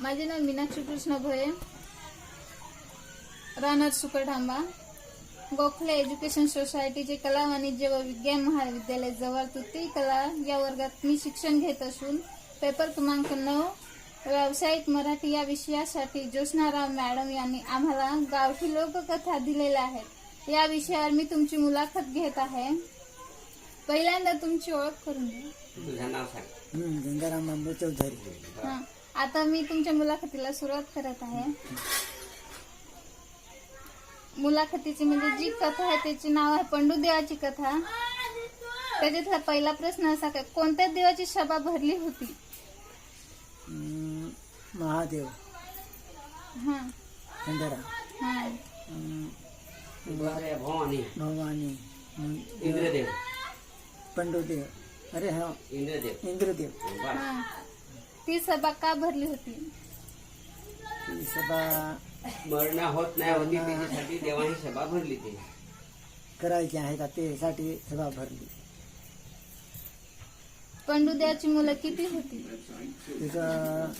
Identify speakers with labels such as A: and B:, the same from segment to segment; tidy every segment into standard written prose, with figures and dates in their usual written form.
A: माझे नाव मीनाक्षी कृष्ण भोये, राहणार सुकरढांबा. गोखले एज्युकेशन सोसायटीचे कला वाणिज्य व विज्ञान महाविद्यालय जवळ तृतीय कला या वर्गात मी शिक्षण घेत असून पेपर क्रमांक 9 व्यावसायिक मराठी या विषयासाठी ज्योत्स्नाराव मॅडम यांनी आम्हाला गावठी लोककथा दिलेल्या आहेत. या विषयावर मी तुमची मुलाखत घेत आहे. पहिल्यांदा तुमची ओळख करून द्या.
B: तुझं नाव सांग.
C: गंगाराम बांबू चौधरी.
A: आता मी तुमच्या मुलाखतीला सुरुवात करत आहे. मुलाखतीची म्हणजे जी कथा आहे त्याचे नाव आहे पंडूदेवाची कथा. त्याच्यातला पहिला प्रश्न असा काय, कोणत्या देवाची सभा भरली होती?
C: महादेव,
A: हा
C: खंडरा,
A: हा
B: भवानी,
C: भवानी,
B: इंद्रदेव,
C: पंडूदेव, अरे हा इंद्रदेव.
A: हा. ती सभा का भरली होती?
C: ती सभा
B: मरण होत नाही होती त्याच्यासाठी देवाने सभा भरली. ते
C: करायची आहे का त्यासाठी सभा भरली.
A: पंडूदेवाची मुलं किती होती?
C: तिथं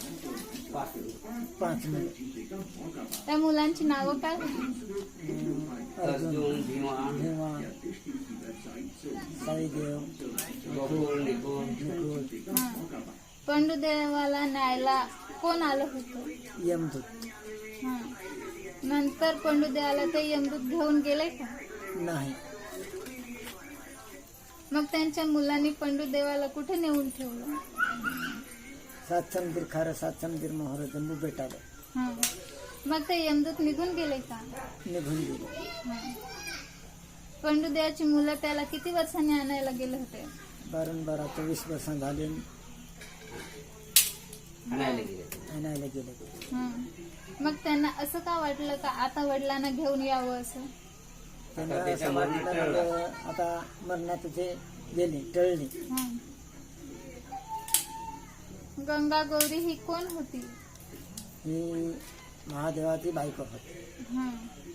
C: 5 मुलं.
A: त्या मुलांची नावं काय होती?
B: अर्जुन, भीमा,
C: साईदेव,
B: गोकुळ, निकुळ.
A: हा. पंडूदेवाला न्यायला कोण आलं होतं?
C: यमदूत.
A: हा. नंतर पंडूदेवाला ते यमदूत घेऊन गेले का?
C: नाही.
A: मग त्यांच्या मुलांनी पंडूदेवाला कुठे नेऊन ठेवलं?
C: सात समुद्र खारं, सात समुद्र मोहर, जम्बू बेटाला
A: हा. मग ते यमदूत निघून गेले का?
C: निघून गेले.
A: हा. पंडूदेवाची मुलं त्याला किती वर्षांनी आणायला गेले होते?
C: 12 24 वर्ष झाले
B: आणायला गेले.
C: आणायला गेले.
A: हा. मग त्यांना असं का वाटलं का आता वडिलांना घेऊन यावं असं?
C: त्यांना असं वाटलं आता मरणात ते गेले, टळले.
A: हा. गंगा गौरी ही कोण होती?
C: ही महादेवाची बायको होती.
A: हा.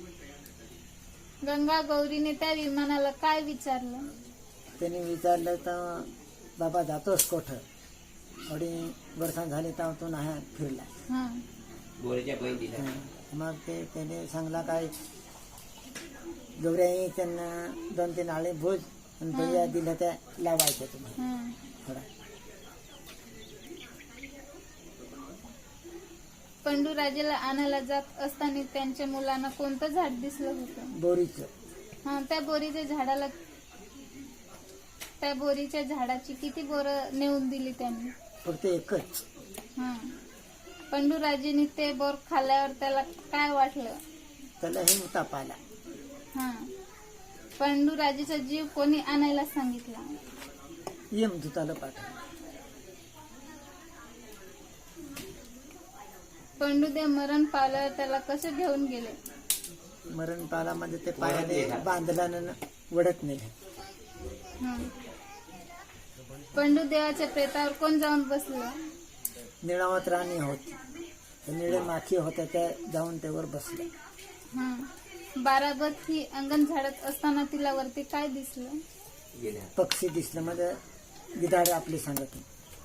A: गंगा गौरीने त्या विमानाला काय विचारलं?
C: त्यांनी विचारलं तर बाबा जातोस कोठं? थोडी वर्ष झाली तर तो नाही फिरला.
A: हा.
B: गोळीच्या बहीण दिल्या.
C: मग ते त्याने सांगला काय गौऱ्याही त्यांना 2-3 आळे भोज आणि भैया दिल्या त्या लावायच्या तुम्हाला
A: हा.
C: थोडा.
A: पंडूराजेला आणायला जात असताना त्यांच्या मुलांना कोणतं झाड दिसलं होतं?
C: बोरीचं.
A: हा. त्या बोरीच्या झाडाची किती बोरं नेऊन दिली त्यांनी?
C: फक्त एकच.
A: हा. पंडूराजेने ते बोर खाल्ल्यावर त्याला काय वाटलं?
C: त्यालाही ताप आला.
A: हा. पंडूराजेचा जीव कोणी आणायला सांगितला?
C: यमदूताला पाठवलं.
A: पंडूदेव मरण पावल्यावर त्याला कसे घेऊन गेले?
C: मरण पालामध्ये ते पायाने बांधल्यानं वडत नेले.
A: हा. पंडूदेवाच्या प्रेतावर कोण जाऊन बसलं?
C: निळावत राणी होती, निळे माखी होत्या त्या जाऊन त्यावर बसल्या.
A: हा. बाराबत ही अंगण झाडत असताना तिला वरती काय दिसलं?
C: पक्षी दिसलं म्हणजे गिधाड आपली सांगत.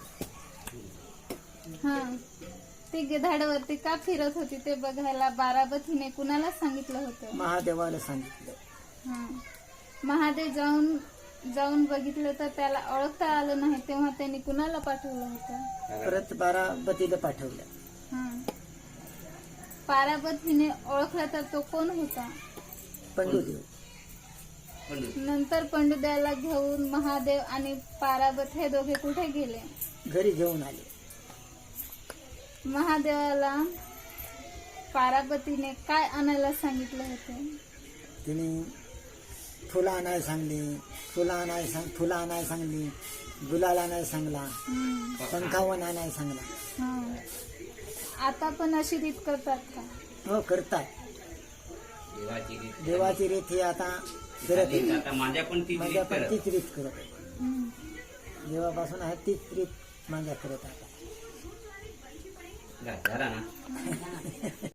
A: हा. ती गिधाडावरती का फिरत होती ते बघायला बाराबत हिने कुणाला सांगितलं होतं?
C: महादेवाला सांगितलं.
A: हा. महादेव जाऊन बघितलं तर त्याला ओळखता आलं नाही, तेव्हा त्यांनी कुणाला पाठवलं होतं?
C: परत बाराबतीला पाठवलं.
A: हा. पाराबत हिने ओळखला तर तो कोण होता?
C: पंडूदेव.
A: नंतर पंडूदेवाला घेऊन महादेव आणि पाराबत हे दोघे कुठे गेले?
C: घरी घेऊन आले.
A: महादेवाला पाराबतीने काय आणायला सांगितलं होतं?
C: तिने फुलं आणायला सांगली, फुलं आणायला सांगली, गुलाल आणायला सांगला, पंखावन आणायला सांगला.
A: हा. आता पण अशी रीत करतात का?
C: हो, करतात. देवाची रीत ही आता करत आहे.
B: माझ्या पण
C: तीच रीत करत आहे. देवापासून आहे तीच रीत माझ्या करत आता.